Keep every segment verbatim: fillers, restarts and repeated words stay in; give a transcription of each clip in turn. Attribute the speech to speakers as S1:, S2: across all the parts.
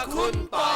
S1: คุณปอย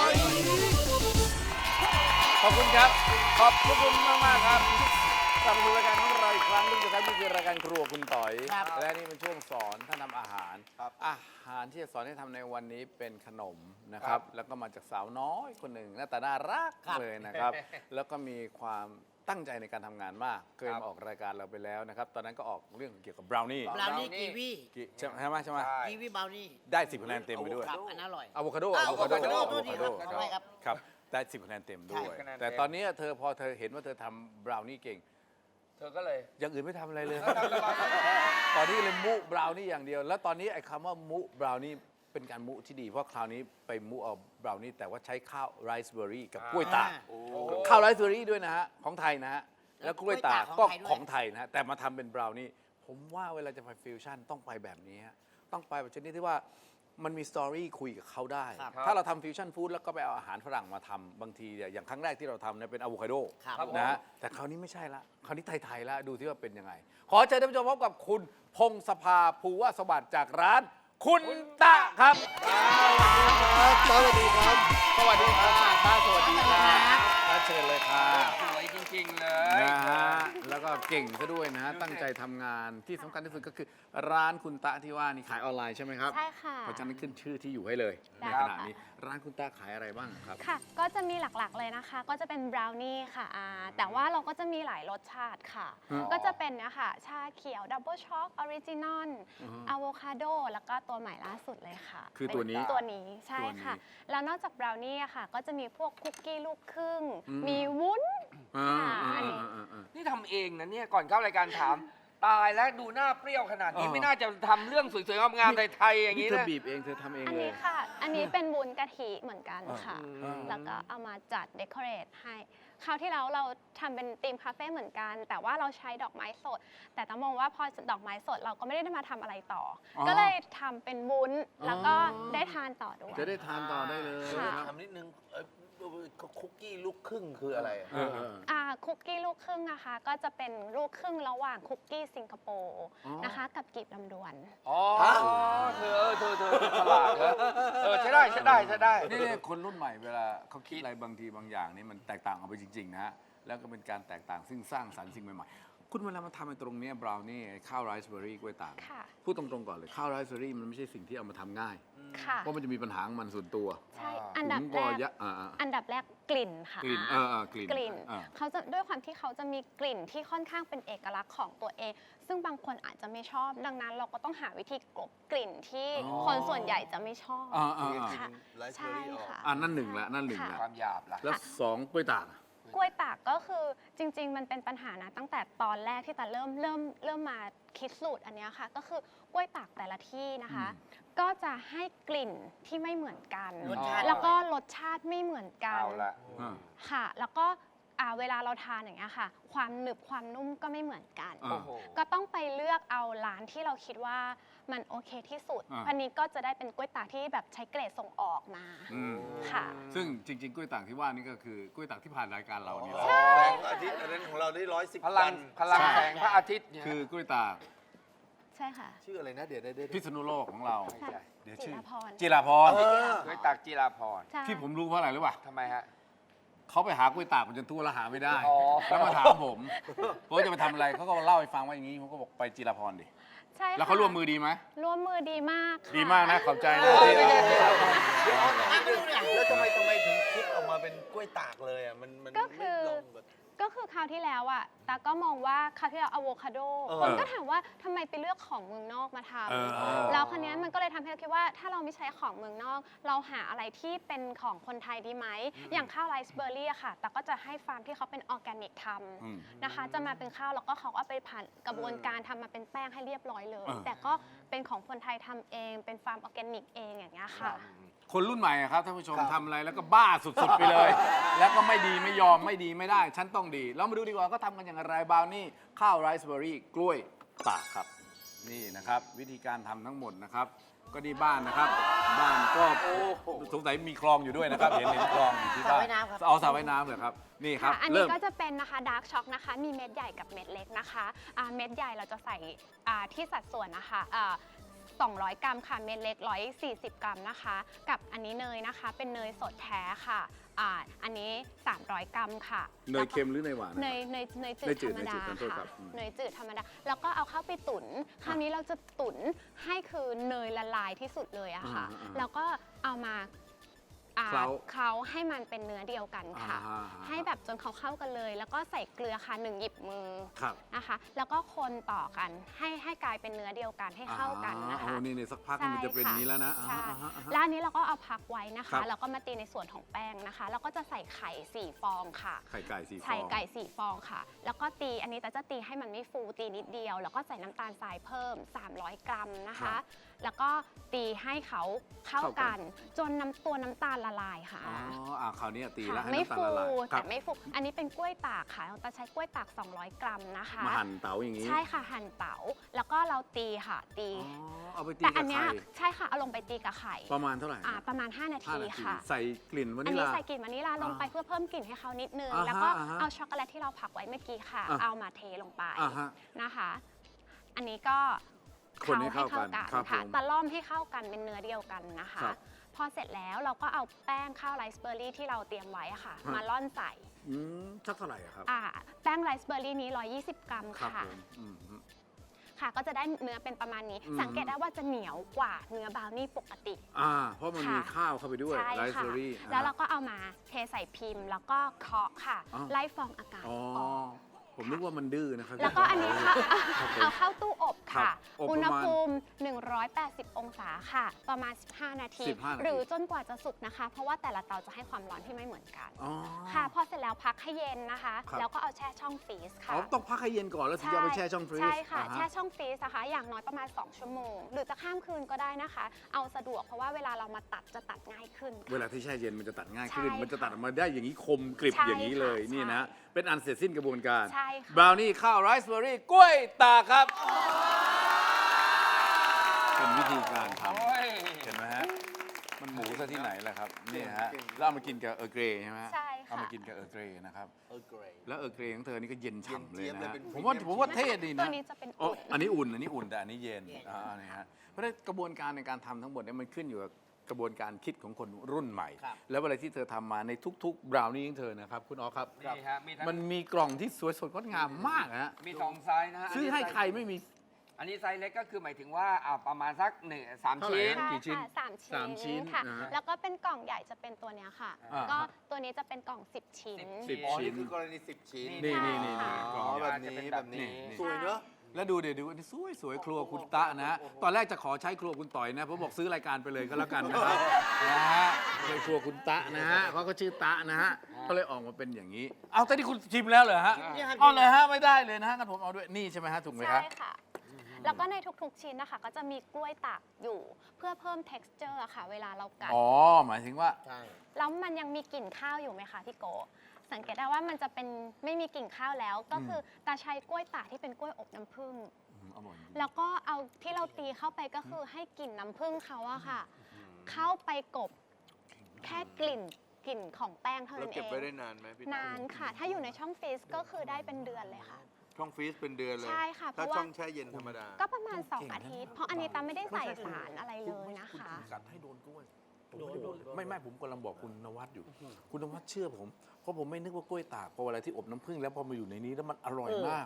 S2: ขอบคุณครับ ขอบคุณมากมากๆครับกลับมาสู่รายการของเราอีกครั้งหนึงนะครับนี่คือรายการครัวคุณต่อย และนี่เป็นช่วงสอนท่านทำอาหาร อาหารที่จะสอนให้ทำในวันนี้เป็นขนมนะครับ แล้วก็มาจากสาวน้อยคนหนึ่งหน้าตาน่ารักเลยนะครับ แล้วก็มีความตั้งใจในการทำงานมาก เคยมาออกรายการเราไปแล้วนะครับ ตอนนั้นก็ออกเรื่องเกี่ยวกับบราวนี่
S3: บราวนี่กีวี
S2: ใช่ไหมใช่ไหม
S3: กีวีบราวนี่
S2: ได้สิบคะแนนเต็มไปด้วย
S3: ครับอันนั้นอร่อย
S2: อะโวคาโด
S3: อะ
S2: อะโวคาโด
S3: อะ
S2: อะ
S3: โว
S2: โว
S3: คา
S2: คา
S3: โด
S2: โด
S3: ขออภัยครับ
S2: ครับได้สิบคะแนนเต็มด้วย
S1: ใช่
S2: แต่ตอนนี้เธอพอเธอเห็นว่าเธอทำบราวนี่เก่ง
S1: เธอก็เลย
S2: อย่างอื่นไม่ทำอะไรเลย ตอนนี้เลยมุบราวนี่อย่างเดียว แล้วตอนนี้ไอ้คำว่ามุบราวนี่เป็นการมุที่ดี เพราะคราวนี้ไปมุเอาบราวนี่แต่ว่าใช้ข้าวไรซ์เบอร์รี่กับกล้วยตาก
S3: อ่า
S2: ข้าวไรซ์เบอร์รี่ด้วยนะฮะของไทยนะฮะแล้วกล้วยตากก็
S3: ข
S2: ข
S3: อ
S2: อง ง
S3: ไท
S2: ไท
S3: ย
S2: ย
S3: ด้วย
S2: นะฮะแต่มาทำเป็นบราวนี่ผมว่าเวลาจะไปฟิวชั่นต้องไปแบบนี้ฮะต้องไปแบบชนิดที่ว่ามันมีสตอรี่คุยกับเขาได้
S3: ครับ
S2: ถ้าเราทำฟิวชั่นฟู้ดแล้วก็ไปเอาอาหารฝรั่งมาทำบางทีเนี่ยอย่างครั้งแรกที่เราทำเนี่ยเป็นอะโวคาโด
S3: ครับ
S2: นะฮะแต่คราวนี้ไม่ใช่ละคราวนี้ไทยๆละดูที่ว่าเป็นยังไง ขอเชิญท่านผู้ชมพบกับคุณพงศภาภูวสวัสดิ์จากร้านคุณตะครับ
S1: สวัสดีครับ
S2: สวัสดีค่ะป้าสวัสดีค่ะป้าเชิญเลยค่ะ
S1: สวยจริง ๆ เลย
S2: นะฮะแล้วก็เก่งซะด้วยนะฮะตั้งใจทำงานที่สำคัญที่สุดก็คือร้านคุณตะที่ว่านี่ขายออนไลน์ใช่ไหมครับ
S4: ใช่ค่ะ
S2: เพราะฉะนั้นขึ้นชื่อที่อยู่ให้เลยใน
S4: ได้
S2: ข
S4: ค่ะ
S2: ณะนี้ร้านคุณตะขายอะไรบ้างครับ
S4: ค่ะ ก็จะมีหลักๆเลยนะคะ ก็จะเป็นบราวนี่ค่ะอ่าแต่ว่าเราก็จะมีหลายรสชาติค่ะ
S2: อืม
S4: ก็จะเป็นเนี่ยค่ะ ชาเขียวดับเบิลช็อกออริจินอล
S2: อือฮึ
S4: อะโวคาโด แล้วก็ตัวใหม่ล่าสุดเลยค่ะ
S2: คือตัวนี้
S4: เป็ตัวนี้ใช่
S2: ตัวนี้
S4: ค่ะ แล้วนอกจากบราวนี่อะค่ะ ก็จะมีพวกคุกกี้ลูกครึ่ง
S2: อืม
S4: มีวุ้น
S2: อ่า
S4: อ่า
S2: อ่า
S4: อันนี้
S2: อ่าอ่าอ่า
S1: นี่ทำเองนะเนี่ย ก่อนเข้ารายการถาม ตายแล้วดูหน้าเปรี้ยวขนาดนี้
S2: เออ
S1: ไม่น่าจะทำเรื่องสวยๆงามๆไทยๆอย่าง
S2: นี่
S1: นี้
S2: เธอ
S1: นะ
S2: บีบเองเธอทำเอง
S4: อัน
S2: เล
S4: นี้
S2: ย
S4: ค่ะ อันนี้เป็นวุ้นกะทิเหมือนกันค่ะ
S2: อืม
S4: แล้วก็เอามาจัดเดคอเรทให้ คราวที่แล้วเราทำเป็นธีมคาเฟ่เหมือนกัน แต่ว่าเราใช้ดอกไม้สด แต่ต้องมองว่าพอดอกไม้สดเราก็ไม่ได้มาทำอะไรต่ออ
S2: อ
S4: ก็เลยทำเป็นวุ้น
S2: อ๋อ
S4: แล้วก็ได้ทานต่อด้วย
S2: จะได้ทานต่อได้เลย
S4: ค่ะ
S2: นะครับ
S5: ถามนิดนึงเอ่อคุกกี้ลูกครึ่งคืออะไรอะ
S2: เออเออ
S4: อ่าคุกกี้ลูกครึ่งนะคะ ก็จะเป็นลูกครึ่งระหว่างคุกกี้สิงคโปร์
S2: อ๋อ
S4: นะคะ กับกีบลำดวน
S1: อ๋อเธอเออเธอเธอฉลาดนะเออใช่ได้ใช่ได้ใช่ได้
S2: นี่เนี่ยคนรุ่นใหม่เวลาเขาคิดอะไรบางทีบางอย่างนี่มันแตกต่างออกไปจริงๆนะฮะแล้วก็เป็นการแตกต่างซึ่งสร้างสรรค์สิ่งใหม่ๆคุณเวลามาทำในตรงเนี้บราวนี่ข้าวไรซ์เบอร์รี่กล้วยตาก
S4: ค่ะ
S2: พูดตรงๆก่อนเลยข้าวไรซ์เบอร์รี่มันไม่ใช่สิ่งที่เอามาทำง่าย
S4: ค่ะ
S2: เพราะมันจะมีปัญหาของมันส่วนตัว
S4: ใช่ อันดับ
S2: ถุง
S4: แร
S2: ก็
S4: ก
S2: ยะอ่าอ่า
S4: อันดับแรกกลิ่นค่ะ
S2: กลิ่นเออเออกลิ่น
S4: กลิ่น
S2: อ่า
S4: เขาจะด้วยความที่เขาจะมีกลิ่นที่ค่อนข้างเป็นเอกลักษณ์ของตัวเอง ซึ่งบางคนอาจจะไม่ชอบ ดังนั้นเราก็ต้องหาวิธีกลบกลิ่นที่คนส่วนใหญ่จะไม่ชอบ
S2: อ่าอ่าอ่า
S4: ค่ะ
S5: ไลฟ์เบอ
S4: ใช่
S5: รี่ออก
S4: ค่ะ
S2: อ่านั่นหนึ่งละนั่นหนึ่ง
S4: ค่ะ
S2: ละ
S1: ความหยาบล่ะ
S2: แล้วสองกล้วยตาก
S4: กล้วยตากก็คือจริง ๆ มันเป็นปัญหานะตั้งแต่ตอนแรกที่ตาเริ่มเริ่มเริ่มมาคิดสูตรอันเนี้ยค่ะ ก็คือกล้วยตากแต่ละที่นะคะ ก็จะให้กลิ่นที่ไม่เหมือนกัน
S1: รสชาติ
S4: แล้วก็รสชาติไม่เหมือนกัน
S1: เอาละ
S2: อ่า
S4: ค่ะ แล้วก็อ่าเวลาเราทานอย่างเงี้ยค่ะ ความหนึบความนุ่มก็ไม่เหมือนกัน
S2: อ่า
S1: โอ้โห
S4: ก็ต้องไปเลือกเอาร้านที่เราคิดว่ามันโอเคที่สุด
S2: อ่า
S4: อันนี้ก็จะได้เป็นกล้วยตากที่แบบใช้เกรดส่งออกมา
S2: อืม
S4: ค่ะ
S2: ซึ่งจริงๆกล้วยตากที่ว่านี่ก็คือกล้วยตากที่ผ่านรายการเราเนี่ย
S5: แสงอาทิตย์อันนั้นของเราได้ร้อยสิบ
S1: พลังพลัง
S4: ใช่
S1: แสงพระอาทิตย์เนี่ย
S2: คือกล้วยตาก
S4: ใช่ค่ะ
S5: ชื่ออะไรนะเดี๋ยวได้ได้
S2: พิษณุโลกของเรา
S4: ใช่
S2: เดี๋ยว
S4: จิ
S2: ชื่อ
S4: รพร
S2: จิราพร
S5: เออ
S1: ด้วยตักจีราพร
S4: ใช่
S2: ที่ผมรู้เพราะอะไรรู้ป่ะ
S1: ทำไมฮะ
S2: เขาไปหากล้วยตากมันจนทั่วแล้วหาไม่ได้
S1: อ๋อ
S2: แล้วมาถามผมผมจะไปทำอะไรเขาก็เล่าให้ฟังว่าอย่างนี้ผมก็บอกไปจิราพรดิ
S4: ใช่
S2: แล้วเขา
S4: ค่ะ
S2: ร่วมมือดีไหม
S4: ร่วมมือดีมากค่ะ
S2: ดีมากนะขอบใจนะ
S1: เออไม่ใช่จิราพร
S5: แล้วทำไมทำไมถึงคิดออกมาเป็นกล้วยตากเลยอ่ะมันมัน
S4: ก็คือ
S5: ไม่ลองแบบ
S4: ก็คือคราวที่แล้วอ่ะตาก็มองว่าคราวที่แล้วอะโวคาโด
S5: เออ
S4: คนก็ถามว่าทำไมไปเลือกของเมืองนอกมาท
S2: เออเออ
S4: ำแล้วคราวเนี้ยมันก็เลยทำให้เราคิดว่าถ้าเราไม่ใช้ของเมืองนอก เราหาอะไรที่เป็นของคนไทยดีไหม อย่างข้าวไรซ์เบอร์รี่อะค่ะตาก็จะให้ฟาร์มที่เขาเป็นออร์แกนิกท
S2: อืม
S4: ำนะคะ จะมาเป็นข้าวแล้วก็เขาก็ไปผ่านกระบวนการทำมาเป็นแป้งให้เรียบร้อยเลย
S2: เออ
S4: แต่ก็เป็นของคนไทยทำเองเป็นฟาร์มออร์แกนิกเองอย่างเงี้ยค่ะ
S2: คนรุ่นใหม่อะครับท่านผู้ชม
S5: ครับ
S2: ทำอะไรแล้วก็บ้าสุดๆไปเลย แล้วก็ไม่ดีไม่ยอมไม่ดีไม่ได้ ฉันต้องดี เรามาดูดีกว่าก็ทำกันอย่างไรบราวนี่ข้าวไรซ์เบอร์รี่กล้วยตากครับ นี่นะครับ วิธีการทำทั้งหมดนะครับ ก็นี่บ้านนะครับ บ้านก็สงสัยมีคลองอยู่ด้วยนะครับ เห็นเห็นคลองอยู่ที่บ้าน
S3: สระว่ายน้ำครับ
S2: เอาสระว่ายน้ำเหรอครับนี่ครับ
S4: ค่ะ อันนี้
S2: เริ่ม
S4: ก็จะเป็นนะคะดาร์กช็อกนะคะ มีเม็ดใหญ่กับเม็ดเล็กนะคะอ่าเม็ดใหญ่เราจะใส่อ่าที่สัดส่วนนะคะอ่าสองร้อยกรัมค่ะเม็ดเล็กหนึ่งร้อยสี่สิบกรัมนะคะ กับอันนี้เนยนะคะเป็นเนยสดแท้ค่ะอ่าอันนี้สามร้อยกรัมค่ะ
S2: เนยเค็มหรือเนยหวาน
S4: เนยเนยเนยจื
S2: เน
S4: ด
S2: ยจื
S4: ธร
S2: ด
S4: รมดา
S2: เนยจืดขอโทษครั
S4: ค่ะ
S2: บอืม
S4: เนยจืดธรรมดาแล้วก็เอาเข้าไปตุ๋นคราวนี้เราจะตุ๋นให้คือเนยละลายที่สุดเลยอะค่ะ
S2: อ่าๆ
S4: แล้วก็เอามาอ่า
S2: เคล้า
S4: เคล้าให้มันเป็นเนื้อเดียวกันค่ะ
S2: อ่าๆ
S4: ให้แบบจนเขาเข้ากันเลย แล้วก็ใส่เกลือค่ะหนึ่งหยิบมือ
S2: ครับ
S4: นะคะ แล้วก็คนต่อกันให้ให้กลายเป็นเนื้อเดียวกันให้เข้ากันนะ
S2: อ่า
S4: คะ
S2: โอ้นี่นี่สักพักมันจะเป็นอย่างนี้แล้วนะอ่า
S4: ใช่
S2: อ่าฮะอ่าฮะ
S4: แล้วอันนี้เราก็เอาพักไว้นะ
S2: ครั
S4: คะ
S2: บ
S4: แล้วก็มาตีในส่วนของแป้งนะคะ แล้วก็จะใส่ไข่สี่ฟองค่ะ
S2: ไข่ไก่สี่ฟอง
S4: ไข่ไก่สี่ฟองค่ะ แล้วก็ตีอันนี้แต่จะตีให้มันไม่ฟูตีนิดเดียว แล้วก็ใส่น้ำตาลทรายเพิ่มสามร้อยกรัมนะ
S2: ครั
S4: คะ
S2: บ
S4: แล้วก็ตีให้เขาเข้า
S2: เข้ากั
S4: กัน น จนน้ำตัวน้ำตาลละลายค่ะ
S2: อ๋ออ่าคราวนี้ตีแล้ว
S4: ค่ะ
S2: ให้
S4: ไม่
S2: น้ำตาล
S4: ฟู
S2: ละลายครั
S4: แต่
S2: บ
S4: ไม่ฟูอันนี้เป็นกล้วยตากค่ะเราจะใช้กล้วยตากสองร้อยกรัมนะคะ
S2: มาหั่นเต๋าอย่างนี้
S4: ใช่ค่ะหั่นเต๋าแล้วก็เราตีค่ะตี
S2: อ๋อเอาไปตี
S4: แต่
S2: กั
S4: อั
S2: บ
S4: นเนี้ย
S2: ไข่
S4: ใช่ค่ะเอาลงไปตีกับไข่
S2: ประมาณเท่าไหร่
S4: อ่าประมาณ ห้า นา
S2: ห้า
S4: ที
S2: นาที
S4: ค่ะ
S2: ใส่กลิ่นวา
S4: อั
S2: นิ
S4: น
S2: ล
S4: นี้
S2: ลา
S4: ใส่กลิ่นวานิลลาลงไป
S2: อ่า
S4: เพื่อเพิ่มกลิ่นให้เขานิดนึง
S2: อ่าฮะ
S4: แล้วก็
S2: อ่าฮะ
S4: เอาช็อกโกแลตที่เราผักไว้เมื่อกี้ค่ะ
S2: อ่ะ
S4: เอามาเทลงไป
S2: อ่าฮะ
S4: นะคะ อันนี้ก็
S2: คนให้เข้ากัน
S4: ให้
S2: ครับ
S4: ค่ะ
S2: ผม
S4: ตะล่อมให้เข้ากันเป็นเนื้อเดียวกันนะคะ
S2: ครับ
S4: พอเสร็จแล้วเราก็เอาแป้งข้าวไรซ์เบอร์รี่ที่เราเตรียมไว้อะค่ะ
S2: ฮะ
S4: มาล่อนใส่
S2: อืมสักเท่าไหร่อะครับ
S4: อ่าแป้งไรซ์เบอร์รี่นี้หนึ่งร้อยยี่สิบกรัม
S2: ครับ
S4: ค่ะ
S2: ผมอืม
S4: ค่ะ ก็จะได้เนื้อเป็นประมาณนี้
S2: อืม
S4: สังเกตได้ว่าจะเหนียวกว่าเนื้อบราวนี่ปกติ
S2: อ่า เพราะมันมี
S4: ค่ะ
S2: ข้าวเข้าไปด้วย
S4: ใช่
S2: ไรซ์
S4: ค่ะ
S2: เบอร์รี่
S4: แล้วเราก็เอามาเทใส่พิมพ์ แล้วก็เคาะค่ะ
S2: อ๋อ
S4: ไล่ฟองอากาศ
S2: อ๋อ
S4: ออก
S2: ผมนึกว่ามันดื้อนะครับ
S4: แล้วก็อันนี้ค่ะ
S2: ครับผม
S4: เอาเข้าตู้อบ
S2: ครั
S4: ค่ะ
S2: บอบประมาณ
S4: อุณหภูมิ หนึ่งร้อยแปดสิบ องศาค่ะ ประมาณ สิบห้า นาที
S2: สิบห้านาที
S4: หรือจนกว่าจะสุกนะคะ เพราะว่าแต่ละเตาจะให้ความร้อนที่ไม่เหมือนกัน
S2: อ๋อ
S4: ค่ะ พอเสร็จแล้วพักให้เย็นนะคะ
S2: ครับ
S4: แล้วก็เอาแช่ช่องฟรีซค่ะ
S2: อ๋อต้องพักให้เย็นก่อนแล้วถึงจะเอาไปแช่ช่องฟรีซ
S4: ใช่ค่ะ
S2: อ่าฮ
S4: แช่ช่องฟรีซนะคะ อย่างน้อยประมาณ สอง ชั่วโมง หรือจะข้ามคืนก็ได้นะคะ เอาสะดวกเพราะว่าเวลาเรามาตัดจะตัดง่ายขึ้นค่ะ
S2: เวลาที่แช่เย็นมันจะตัดง่ายขึ้น
S4: ใช่
S2: มันจะตัดออกมาได้อย่างนี้คมกริบ
S4: ใช่
S2: อย่างนี้เลย
S4: ค่ะ
S2: นี่นะ
S4: ใช่
S2: เป็นอันเสร็จสิ้นกระบวนการ
S4: ใช่ค่ะ
S2: บราวนี่ข้าวไรซ์เบอร์รี่กล้วยตากครับ เป็นวิธีการท
S1: โอ้ย
S2: ำเห็นไหมฮะ มันหมูซะที่ไหนล่ะครับ นี่ฮะ แล้วเอามากินกับเออร์เกรย์ใช่ไหมฮะ
S4: ใช่ค่ะ
S2: เอามากินกับเออร์เกรย์นะครับ
S5: เออเกรย์
S2: แล้วเออร์เกรย์ของเธอนี่ก็เย็นฉ่ำเลย
S5: เย็นเจี๊ยบ
S2: นะ
S5: เลย
S2: ฮะ
S5: เป็น
S2: ผมว่า
S5: พรีเมียม
S2: ผมว่าเท่ดี
S4: ตั
S2: นะ
S4: วนี้จะเป็น
S2: อ๋อ
S4: อุ่น
S2: อันนี้อุ่น อันนี้อุ่นแต่อันนี้เย็นอ่านี่ฮะ เพราะฉะนั้นกระบวนการในการทำทั้งหมดเนี่ยมันขึ้นอยู่กับกระบวนการคิดของคนรุ่นใหม่
S5: ครับ
S2: แล้วอะไรที่เธอทำมาในทุกๆบราวนี่ของเธอนะครับ คุณอ๋อครับ
S1: นี่ฮะมีทั้ง
S2: มันมีกล่องที่สวยสดงดงามมากฮะ
S1: มีสองไซส์นะฮะ
S2: ซื้อให้ใครไม่มี
S1: อันนี้ไซส์เล็กก็คือหมายถึงว่าอ่าประมาณสักหนึ่งสาม
S2: เท่าไหร่
S1: ชิ้น
S2: ฮะ กี่ชิ้น
S4: ค่ะสาม
S2: สามชิ้
S4: ชิ้
S2: น
S4: นค่ะ
S2: นะฮะ
S4: แล้วก็เป็นกล่องใหญ่จะเป็นตัวเนี้ยค่ะ
S2: อ่า
S4: ก็ตัวนี้จะเป็นกล่อง สิบ ชิ้น
S1: สิบ
S5: อ๋อ
S2: ชิ้
S5: นี่
S2: น
S5: คือกรณีสิบชิ้น
S2: นี่นี่นี่นี่
S5: อ๋
S2: กล่อง
S5: อ
S2: ใหญ่
S5: แบบนี้
S1: จะเป็น
S5: แบ
S1: แบบ บนี้
S5: นี้สวยเนอะ
S2: แล้วดูเดี๋ยวดูอันนี้สวยสวยครัวคุณตะนะฮะ ตอนแรกจะขอใช้ครัวคุณต่อยนะผมบอกซื้อรายการไปเลยก็แล้วกันนะครับนะฮะเลยครัวคุณตะนะฮะเพราะเขาชื่อตะนะฮะ ก็เลยออกมาเป็นอย่างนี้ เอาแต่ที่คุณชิมแล้วเหรอฮะ เอาเลยฮะไม่ได้เลยนะฮะงั้นผมเอาด้วย นี่ใช่ไหมฮะถูกไหมครับ
S4: ใช่ค่ะ แล้วก็ในทุกๆชิ้นนะคะ ก็จะมีกล้วยตากอยู่เพื่อเพิ่ม texture อะค่ะ เวลาเรากัด
S2: อ๋อ หมายถึงว่า
S5: ใช่
S4: แล้วมันยังมีกลิ่นข้าวอยู่ไหมคะพี่โกะสังเกตได้ว่ามันจะเป็นไม่มีกลิ่นข้าวแล้ว ก็คือตาใช้กล้วยตากที่เป็นกล้วยอบน้ำผึ้ง
S2: อืมอร่อยจริง
S4: แล้วก็เอาที่เราตีเข้าไปก็คือให้กลิ่นน้ำผึ้งเขาอะค่ะ เข้าไปกบแค่กลิ่นกลิ่นของแป้งเท่า
S5: แล้ว
S4: นั้นเอ
S5: เก็บ
S4: ง
S5: ไว้ได้นานไหมพี่
S4: นานค่ะ ถ้าอยู่ในช่องฟรีซก็คือได้เป็นเดือนเลยค่ะ
S5: ช่องฟรีซเป็นเดือนเลย
S4: ใช่ค่ะเพ
S5: ถ้า
S4: ราะว่า
S5: ช่องแช่เย็นธรรมดา
S4: ก็ประมาณ สอง อาทิตย์ เพราะอันนี้ตามไม่ได้ใส่สารอะไรเลยนะคะ
S2: กัดให้โดนกล้วยโดนโดนไม่ไม่ผมกำลังบอกคุณนวัดอยู่ คุณนวัดเชื่อผม เพราะผมไม่นึกว่ากล้วยตากพอเวลาที่อบน้ำผึ้งแล้วพอมาอยู่ในนี้แล้วมันอร่อยมาก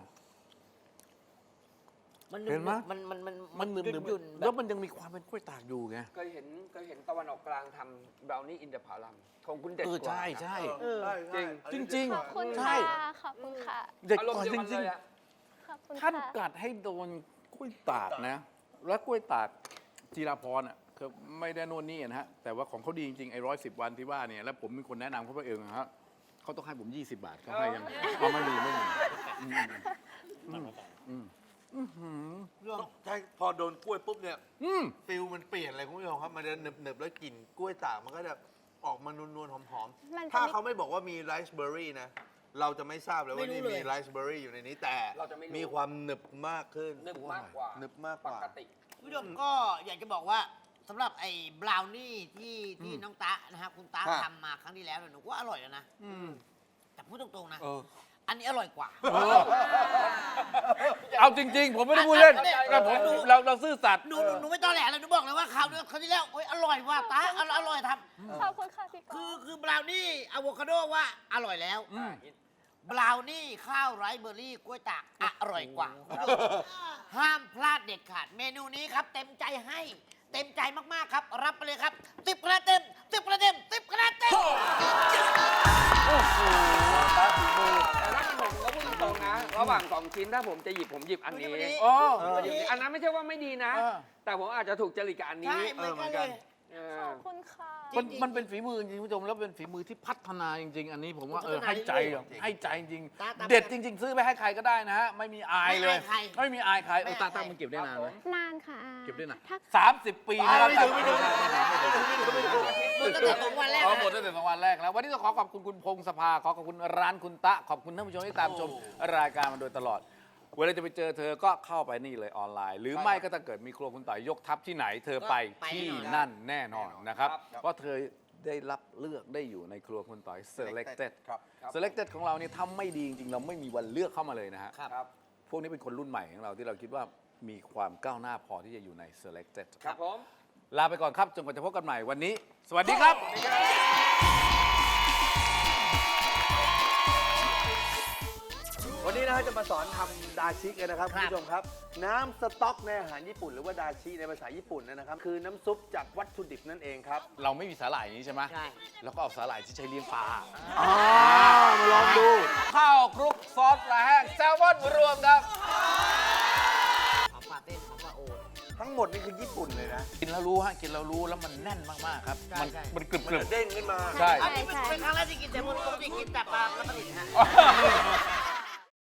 S3: มัน
S2: เห็นไหม
S3: มันมันมัน
S2: มันหนึบหนึบ
S3: ยุ่นๆ
S2: แล้วมันยังมีความเป็นกล้วยตากอยู่ไง
S1: เคยเห็นเคยเห็นตะวันออกกลางทำบราวนี่อินเด p พารัมของคุณเด็ด
S2: เออก
S1: ว่า
S2: ใช่ใช่
S3: เออ
S2: จริงจริง
S4: ขอบคุณ
S2: ใช่
S4: ค่ะ ขอบคุณค่ะ
S2: เด็ก
S1: อารม
S2: ก
S1: ณ์
S2: ว่า
S1: เดียว
S2: จ
S1: กันเล
S2: ริง
S1: ยอะ
S4: ขอบคุณ
S2: ๆท่าน
S4: ค่ะ
S2: กัดให้โดนกล้วยตากนะ แล้วกล้วยตากจีราพรอ่ะคือไม่ได้โน่นนี่นะฮะ แต่ว่าของเขาดีจริงๆไอ้ร้อยสิบวันที่ว่าเนี่ยแล้วผมเป็นคนแนะนำเขาไปเองนะฮะเขาต้องให้ผมยี่สิบบาทเขาให้ยังเอาไม่มีไม่มีอืมอืมอืมอืมอืม
S5: ใช่พอโดนกล้วยปุ๊บเนี่ย
S2: อืม
S5: ฟิลมันเปลี่ยนเลยคุณผู้ชมครับ มันจะหนึบหนึบๆแล้วกลิ่นกล้วยตากมันก็จะออกมานวลๆหอม
S4: มันจะ
S5: ๆ ถ้า
S4: ไม่
S5: เขาไม่บอกว่ามีไรซ์เบอร์รี่นะ เราจะไม่ทราบเลยว่า
S3: ไม่รู้
S5: นี่
S3: เลย
S5: มีไรซ์เบอร์รี่อยู่ในนี้ แต่
S1: เราจะไม่รู้
S5: มีความหนึบมากขึ้น
S1: หนึบมากกว่า
S5: หนึบมากก
S1: ป
S5: ว่า
S1: กติ
S3: คุณผู้ชมก็อยากจะบอกว่าสำหรับไอ้บราวนี่ที่ที่น้องตะนะครับคุณตะ
S5: ครับ
S3: ทำมาครั้งที่แล้วเนี่ยหนูว่าอร่อยแล้วนะ
S2: อืม
S3: แต่พูดตรงๆนะ
S2: เออ
S3: อันนี้อร่อยกว่า
S2: เออเอาจริง ๆ ผมไม่ได้พูดเล่น
S3: อันนี้
S2: แต่ผม
S3: หนู
S2: เราเราซื่อสัตย์
S3: หนูหนูหนูไม่ต้องแหลเลยหนูบอกเลยว่าคราวนี้คราวที่แล้วโอ้ยอร่อยว่ะตาอร่อยอร่อยท
S4: ขอบคุณค่ะพี่
S3: ำ
S4: ก
S3: คือ
S4: อล์ฟ
S3: คือบราวนี่อะโวคาโดว่าอร่อยแล้ว
S2: อืม
S3: บราวนี่ข้าวไรซ์เบอร์รี่กล้วยตากอร่อยกว่า ห้ามพลาดเด็ดขาดเมนูนี้ครับ เต็มใจให้ เต็มใจมากๆครับ รับไปเลยครับติบคะแนนเต็มติบคะแนนเต็มติบคะแนนเต็ม
S1: แต่ถ้าเป็นผมก็พูดตรงๆนะ ระหว่างสองชิ้นถ้าผมจะหยิบผมหยิบอันนี้
S3: อันนี้
S2: อ๋อ
S1: ผมหยิบอันนั้นไม่ใช่ว่าไม่ดีนะ
S2: เออ
S1: แต่ผมอาจจะถูกจริตกับอันนี้
S3: ใช่เหมือนกันเลย
S1: เอ
S4: ข
S1: อ
S4: อบคุณค่ะ
S2: มันมันเป็นฝีมือจริงๆคุณผู้ชมแล้วเป็นฝีมือที่พัฒนาจริง ๆ อันนี้ผมว่าเออ
S3: พัฒนา
S2: ให้ใจ
S3: เรื่อยๆ
S2: อ่ะให้ใจจริง
S3: ตาตา
S2: เด็ดจริง ๆ ซื้อไปให้ใครก็ได้นะฮะไม่มีอายเลย
S3: ไม่อายใคร
S2: ไม่มีอายใครเออ
S3: ไม่
S2: ตา
S3: อาย
S2: ตามันเก็บได้นานไหม
S4: นานค่ะอา
S2: เก็บได้นาน
S4: ถ้า
S2: สามสิบปีนะครับ
S5: ไม่ถึงไม่ถึง
S3: หมดตั้งแต่สองวันแรก
S2: อ๋อ
S3: นะ
S2: หมดตั้งแต่สองวันแรกแล้ววันนี้ต้องขอขอบคุณคุณพงศภาขอขอบคุณร้านคุณตะขอบคุณท่านผู้ชมที่ตามชมรายการมาโดยตลอด เวลาจะไปเจอเธอก็เข้าไปนี่เลยออนไลน์ หรือไม่ก็ถ้าเกิดมีครัวคุณต่อยยกทัพที่ไหน เธอไปที่นั่นแน่นอนนะครับ เพราะเธอได้รับเลือกได้อยู่ในครัวคุณต่อย selected
S5: ครับ
S2: selected ของเราเนี่ยทำไม่ดีจริงๆ เราไม่มีวันเลือกเข้ามาเลยนะฮะ
S3: ครับ
S2: พวกนี้เป็นคนรุ่นใหม่ของเราที่เราคิดว่ามีความก้าวหน้าพอที่จะอยู่ใน selected
S1: ครับผม
S2: ลาไปก่อนครับจนกว่าจะพบกันใหม่วันนี้ สวัสดีครับ
S5: วันนี้นะฮะจะมาสอนทำดาชิกันนะครับ
S3: ค
S5: คุ
S3: รั
S5: ณ
S3: บ
S5: ผู้ชมครับ น้ำสต๊อกในอาหารญี่ปุ่นหรือว่าดาชิในภาษาญี่ปุ่นนะครับคือน้ำซุปจากวัตถุดิบนั่นเองครับ
S2: เราไม่มีสาหร่ายอย่างนี้ใช่ไหม
S3: ใช่
S2: แล้วก็เอาสาหร่ายที่ใช้เลี้ยงปลา
S5: อ๋อ มาลองดู
S2: ข้าวคลุกซอสปลาแห้งแซลมอนรวมครับ
S3: ขอปลาเต้นขอปลาโอน
S5: ทั้งหมดนี่คือญี่ปุ่นเลยนะ
S2: กินแล้วรู้ฮะกินแล้วรู้แล้วมันแน่นมากๆครับ
S3: ใช่
S2: มัน
S3: ใช่
S2: มันกรึบ
S5: มัน
S2: กรึบ
S5: จะเด้งขึ้นมา
S2: ใช่
S3: อันนี้เป็นครั้งแรกที่กินแต่ปกติกินแต่ปลาแล้วก็ติดฮะ